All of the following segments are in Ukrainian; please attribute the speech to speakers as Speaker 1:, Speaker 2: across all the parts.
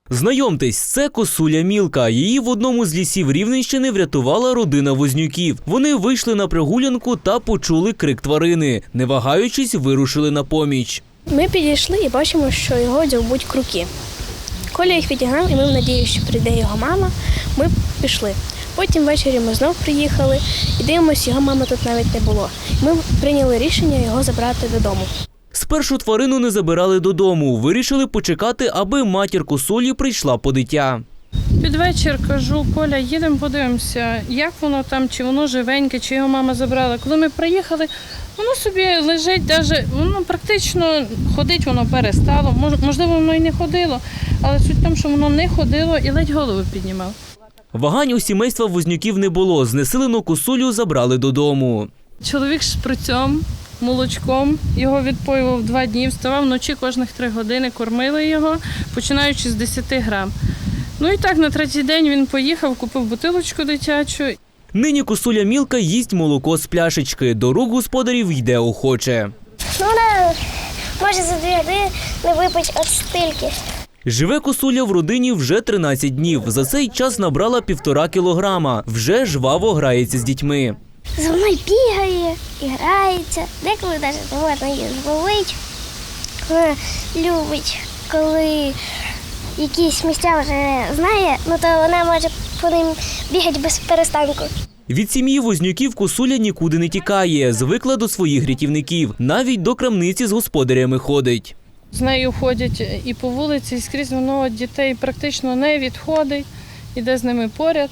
Speaker 1: Знайомтесь, це косуля Мілка. Її в одному з лісів Рівненщини врятувала родина Вознюків. Вони вийшли на прогулянку та почули крик тварини. Не вагаючись, вирушили на поміч.
Speaker 2: Ми підійшли і бачимо, що його дзьобуть круки. Коля їх відігнав, і ми в надії, що прийде його мама, ми пішли. Потім ввечері ми знов приїхали і дивимося, його мами тут навіть не було. Ми прийняли рішення його забрати додому.
Speaker 1: Спершу тварину не забирали додому. Вирішили почекати, аби матір косулі прийшла по дитя.
Speaker 3: Під вечір кажу: Коля, їдемо подивимося, як воно там, чи воно живеньке, чи його мама забрала. Коли ми приїхали, воно собі лежить, воно практично ходить, воно перестало. Можливо, воно і не ходило, але суть в тому, що воно не ходило і ледь голову піднімав.
Speaker 1: Вагань у сімейства Вознюків не було. Знесилену косулю забрали додому.
Speaker 3: Чоловік з шприцем, молочком, його відпоював 2 дні, вставав вночі кожних 3 години, кормили його, починаючи з 10 грам. Ну і так, на 3-й день він поїхав, купив бутилочку дитячу.
Speaker 1: Нині косуля Мілка їсть молоко з пляшечки. До рук господарів йде охоче.
Speaker 4: Вона може за 2 години випити от стільки.
Speaker 1: Живе косуля в родині вже 13 днів. За цей час набрала 1,5 кілограма. Вже жваво грається з дітьми.
Speaker 4: За мною бігає і грається. Деколи навіть можна її зловити. Вона любить, коли якісь місця вже знає, то вона може по ним бігати без перестанку.
Speaker 1: Від сім'ї Вознюків косуля нікуди не тікає. Звикла до своїх рятівників. Навіть до крамниці з господарями ходить.
Speaker 3: З нею ходять і по вулиці, і скрізь воно від дітей практично не відходить, іде з ними поряд.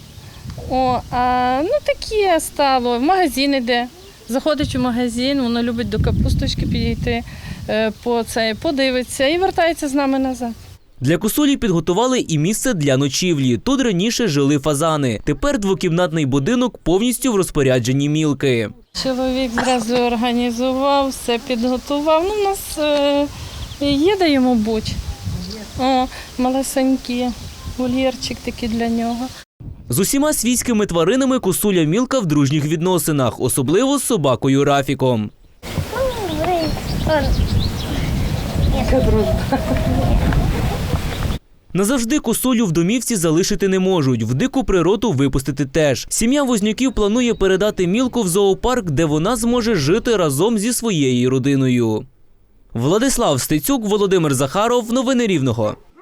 Speaker 3: Таке стало, в магазин іде, заходить у магазин, воно любить до капусточки підійти, подивиться і вертається з нами назад.
Speaker 1: Для косулі підготували і місце для ночівлі. Тут раніше жили фазани. Тепер 2-кімнатний будинок повністю в розпорядженні Мілки.
Speaker 3: Чоловік зразу організував, все підготував. У нас є де йому бути. Малесенький вольєрчик такий для нього.
Speaker 1: З усіма свійськими тваринами косуля Мілка в дружніх відносинах, особливо з собакою Рафіком. Назавжди косулю в домівці залишити не можуть, в дику природу випустити теж. Сім'я Вознюків планує передати Мілку в зоопарк, де вона зможе жити разом зі своєю родиною. Владислав Стецюк, Володимир Захаров. Новини Рівного.